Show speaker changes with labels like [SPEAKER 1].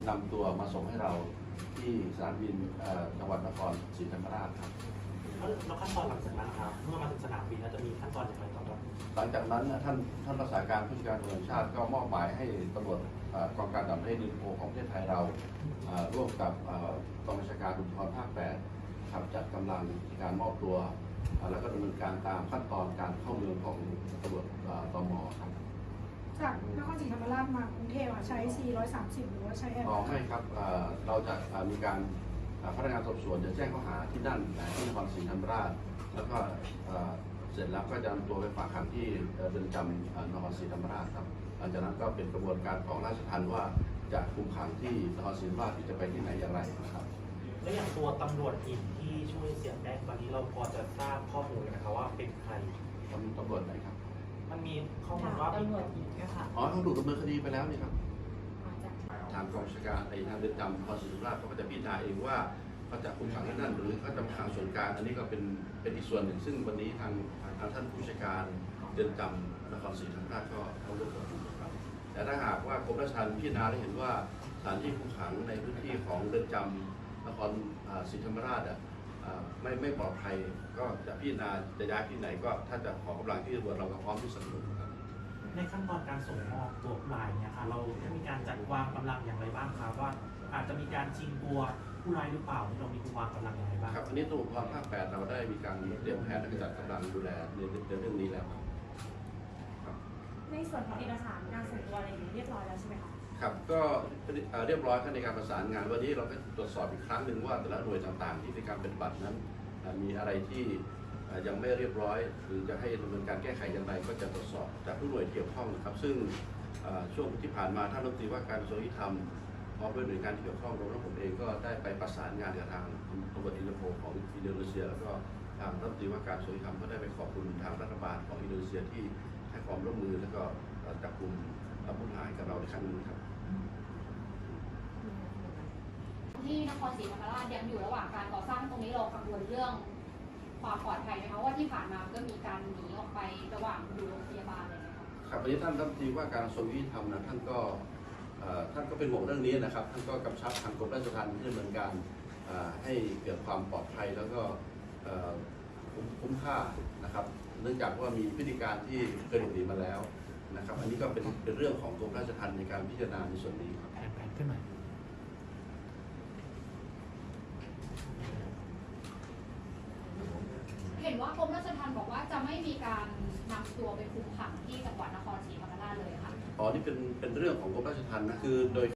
[SPEAKER 1] นำตัวมาส่งให้เราที่สนามบินจังหวัดนครศรีธรรมราชครับ
[SPEAKER 2] แล้วขั้นตอนหลังจากนั้นครับเมื่อมาถึงสนามบินแล้วจะมีขั้นตอนอย่างไรต่อครับ
[SPEAKER 1] หลังจากนั้นท่านรักษาการผู้จัดการตำรวจแห่งชาติก็มอบหมายให้ตำรวจกองการต่างประเทศอินโฟของประเทศไทยเราร่วมกับกองบัญชาการตำรวจภาค 8ครับจัดกำลังในการมอบตัวแล้วก็ดำเนินการตามขั้นตอนการเข้าเมืองของตำรวจตม.ครับ
[SPEAKER 3] จากนครศรีธรรมราชมากรุงเทพใช้ 430 หรือว่าใช้แอร์
[SPEAKER 1] ไม่ครับเราจะมีการพนักงานสอบสวนจะแจ้งข้อหาที่นั่นที่นครศรีธรรมราชแล้วก็เสร็จแล้วก็จะนำตัวไปฝากขังที่เรือนจำนครศรีธรรมราชครับหลังจากนั้นก็เป็นกระบวนการของราชทัณฑ์ว่าจะคุมขังที่นครศรีธรรมราชที่จะไปที่ไหนอย่างไรนะครับ
[SPEAKER 2] และอย่างตัวตำรวจหญิงที่ช่วยเสียแป้งตอนนี้เราพอจะทราบข้อมูลนะครับว่าเป็นใคร
[SPEAKER 1] ตำรวจไหนครับ
[SPEAKER 2] มันมีข้อมูลว่า
[SPEAKER 4] ตำรวจหญิงนะคะ
[SPEAKER 1] เขาถูกดำเนินคดีไปแล้วนี่ครับทางกองบัญชาการทางเรือนจำนครศรีธรรมราชเขาก็จะพิจารณาเองว่าเขาจะคุมขังที่นั่นหรือเขาจะขังส่วนกลางอันนี้ก็เป็นอีกส่วนหนึ่งซึ่งวันนี้ทางท่านผู้จัดการเรือนจำนครศรีธรรมราชก็เขาร่วมกับผมครับแต่ถ้าหากว่ากรมราชทัณฑ์พิจารณาได้เห็นว่าสถานที่คุมขังในพื้นที่ของเรือนจำนครศรีธรรมราชไม่ปลอดภัยก็จะพิจารณาจะย้ายที่ไหนก็ถ้าจะขอกำลังที่ตำรวจเราก็พร้อมที่สนับสนุนครับ
[SPEAKER 2] ในขั้นตอนการส่งมอบตัวผู้ร้ายเนี่ยค่ะเราได้มีการจัดวางกำลังอย่างไรบ้างครับว่าอาจจะมีการชิงตัวผู้ร้ายหรือเปล่าเรามีวางกำลังอย่างไรบ้าง
[SPEAKER 1] ครับอันนี้ตำรวจภูธรภาค 8เราได้มีการเตรียมแผนและจัดกำลังดูแลในเรื่องนี้แล้วครับ
[SPEAKER 4] ในส่วนของเอกสารการส่งตัวอะไรอย่างนี้เรียบร้อยแล้วใช่ไหมคะ
[SPEAKER 1] ครับก็เรียบร้อยในการประสานงานวันนี้เราก็ตรวจสอบอีกครั้งหนึ่งว่าแต่ละหน่วยต่างๆที่ในการปฏิบัตินั้นมีอะไรที่ยังไม่เรียบร้อยหรือจะให้ดำเนินการแก้ไขอย่างไรก็จะตรวจสอบจากทุกหน่วยเกี่ยวข้องนะครับซึ่งช่วงที่ผ่านมาท่านรัฐมนตรีว่าการกระทรวงยุติธรรมพร้อมด้วยหน่วยงานที่เกี่ยวข้องรวมทั้งผมเองก็ได้ไปประสานงานกับทางตำรวจอินเตอร์โพลของอินโดนีเซียแล้วก็ทางรัฐมนตรีว่าการกระทรวงยุติธรรมก็ได้ไปขอบคุณทางรัฐบาลของอินโดนีเซียที่ให้ความร่วมมือแล้วก็จับกุมผู้หายกับเราในครั้งนี้ครับ
[SPEAKER 5] ที่นครศรีธรรมราชยังอยู่ระหว่างการก่อสร้างตรงนี้เรากังวลเรื่องความปลอดภัยไหมคะว่าที่ผ่านมาก็มีการหนีออกไประหว่างอยู่โรงพยาบาลอะไรนะคะ
[SPEAKER 1] ครับวันนี้ท่านรัฐมนตรีว่าการกระทรวงยุติธรรมนะท่านก็เป็นห่วงเรื่องนี้นะครับท่านก็กำชับทางกรมราชทัณฑ์ที่ดำเนินการให้เกิดความปลอดภัยแล้วก็คุ้มค่านะครับเนื่องจากว่ามีพฤติการที่เคยหลบหนีมาแล้วนะครับอันนี้ก็เป็นเรื่องของกรมราชทัณฑ์ในการพิจารณาในส่วนนี้ครับ
[SPEAKER 2] แผนขึ้นมา
[SPEAKER 5] เห็นว่ากรมราชทัณฑ์บอกว่าจะไม่มีการนำตัวไปคุมขังที่จังหวัดนครศรีธรรมราชเลยค่ะ
[SPEAKER 1] อ๋อนี่เป็นเรื่องของกรมราชทัณฑ์นะคือโดย